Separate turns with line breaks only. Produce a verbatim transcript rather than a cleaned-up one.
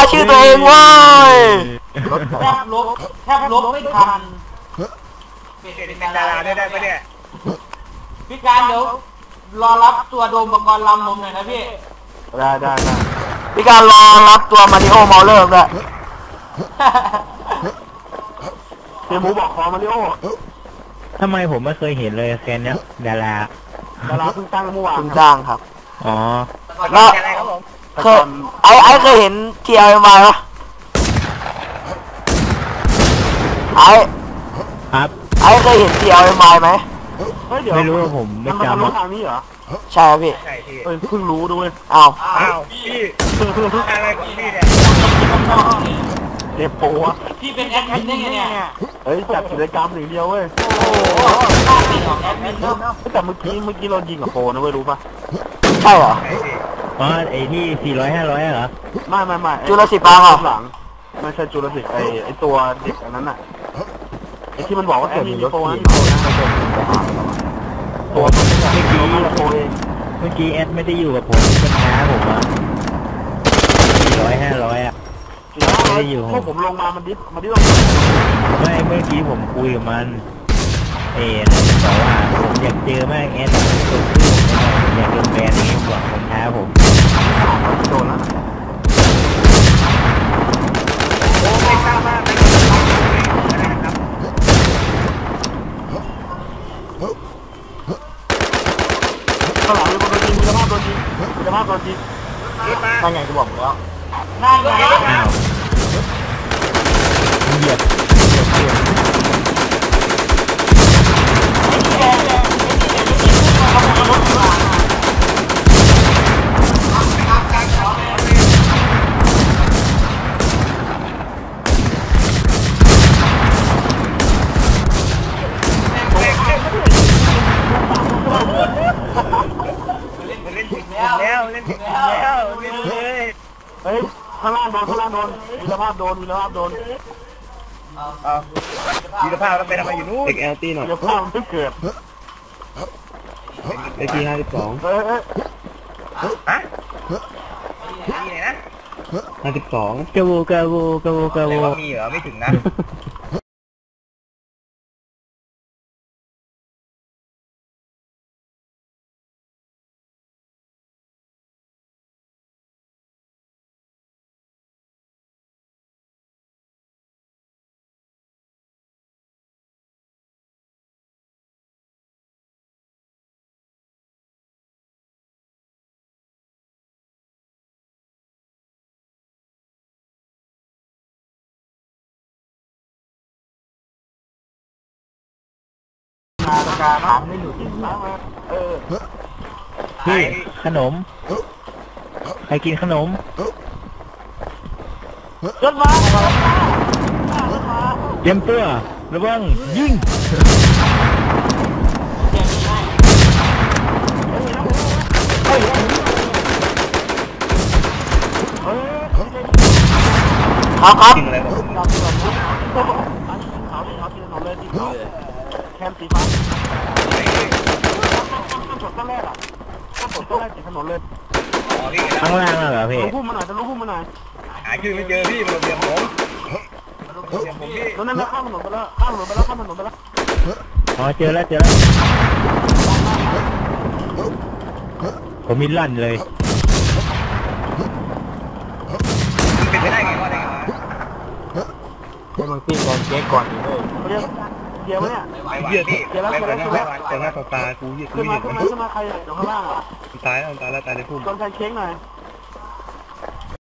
ชื่อตัวเองเว้ย
แทบลบแทบลบไม่ทันเป็นดาราได้ได้ปะเนี่ยพี่การเดี๋ยวรอรับตัวโดมปกรณ์ลำผมหน่อยนะพี่
ได้ได้ได้
พี่การรอรับตัวมาริโอเมาเลอร์ด้วย
เฮียหมูบอกขอมาริโอ
ทำไมผมไม่เคยเห็นเลยแคนเนี้ยดารา
ดาราเพิ่งตั้งเมื่อวาน
เพิ่งจ้างครับ
อ๋อ
แล้วเคยไอ้ไอ้เคยเห็นเทียร์มาปะไอ้
ครับ
ไอ้เคยเห็นเทียร์มาไหม
ไม่รู้ว่าผมไม่จำ
มันทางนี้เหรอ
ใช่พี่
เฮ้ยเพิ่งรู้ด้วย
อ้าว
อ้าวพี่อะไรของพี่เนี่ย
เจ็บปวด
พี่เป็นแอดมินได้ไงเนี่ย
เฮ้ยจัดกิจกรรมหนึ่งเดียวเว้ย
โอ้โหข้าเป็นของแอดมินเนาะ
แต่เมื่อกี้เมื่อกี้เรายิงกับโฟนะเว้ยรู้ปะ
ใช่เหรอ
อ๋อไอ้ที่สี่ร้อยห้าร้อยเหรอ
ไม่ไม่ไม่
จุลศิษย์ปาเหรอ
หลังไม่ใช่จุลศิษย์ไอ้ไอ้ตัวเด็กอันนั้นน่ะไอ้ที่มันบอกว่าแอดมินโฟนตัวเมื่อกี้
เมื่อกี้แอดไม่ได้อยู่กับผมเป็นน้าผมอะสี่ร้อยห้าร้อยอะไม่ได้อยู่
พวกผมลงมามันดิฟมันดิฟลง
ไม่เมื่อกี้ผมคุยกับมันเอ็นบอกว่าผมอยากเจอมากแอดตัวชื่อผมอยากโดนแบนนี้บอกผมท้าผม
โดนแล้ว
โอ้ไม่ทราบว่าเป็นนะครับ
ข้างหลังมีคนโดนยิงมีสภาพโดนยิงมีสภาพโดนยิงนั่นไงจะบอกแล้ว
นั่นไง
อ้าวเหยียบเหยียบเหยียบ
แล้วเล่นแล้วเล่นเลย
เฮ้ยข้างล่างโดนข้างล่างโดนมีสภาพโดนมีสภาพโดน
เอาวีรภาพแล้วไปทำไมอยู่นู้น
เด็กแอลตี้หน่อยวีรภาพไม่เกิดไอทีห้าสิบสองเฮ้ยเฮ้ย
ฮะมีไหนนะ
ห้าสิบสอง
กระโวกระโวกระโวกระโว
มีเหรอไม่ถึงนะ
นาฬิกาถามไม่หยุดเออ
พี่ขนมใครกินขนม
รถมา
เตรียมตัวระวังยิง
ครับครับ
แคมสีฟ้าต้นแรกอ่ะต้นแรกติดถนนเลย
ข้างล่างเหรอพี่
รู้พุ่มมาหน่อยจะรู้พุ่มมาหน่อย
หาชื่อไม่เจอพี่มันเรียมผมเรียมผมพี่
ตอนนั้นข้ามถนนไปแล้วข้ามถนนไปแล้วข้ามถนนไปแล้ว
อ๋อเจอแล้วเจอแล้วผมมีลั่นเลย
เป็นไปได้ไงวะเนี่ย
เดี๋ยวมึงตีก่อนเจ๊ก่อนเลยเดี๋ยวเนี่ย
เดี๋ยวพี่เดี๋ยวแล้วเดี๋ยวแล้ว
แต่หน้าตากูยืดขึ้นมาขึ้นมาขึ้นมาใครอยู่ข้างล่างอ่ะ
ตายแล้วตายแล้วตายในพุ่ม
ตอนใครเช็คหน่อย